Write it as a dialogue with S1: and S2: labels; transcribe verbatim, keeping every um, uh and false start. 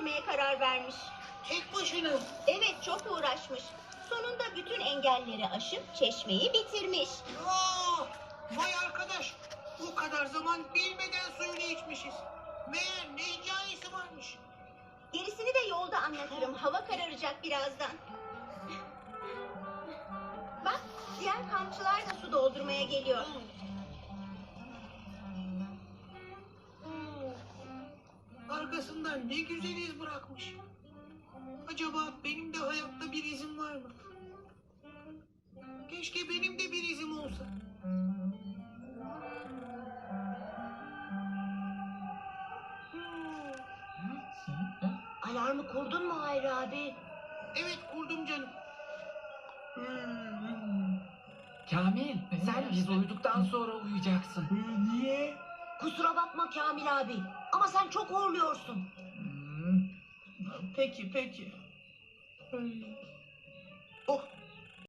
S1: bitirmeye karar vermiş.
S2: Tek başına.
S1: Evet, çok uğraşmış. Sonunda bütün engelleri aşıp çeşmeyi bitirmiş.
S2: Aa, vay arkadaş. O kadar zaman bilmeden suyunu içmişiz. Meğer ne hikayesi varmış.
S1: Gerisini de yolda anlatırım. Hava kararacak birazdan. Bak, diğer kampçılar da su doldurmaya geliyor.
S2: Arkasından ne güzel iz bırakmış. Acaba benim de hayatta bir izim var mı? Keşke benim de bir izim olsa.
S1: Alarmı kurdun mu Hayri abi?
S2: Evet, kurdum canım.
S3: Kamil, sen biz uyuduktan sonra uyuyacaksın.
S4: Niye?
S1: Kusura bakma Kamil abi. Ama sen çok horluyorsun.
S4: Hmm. Peki peki.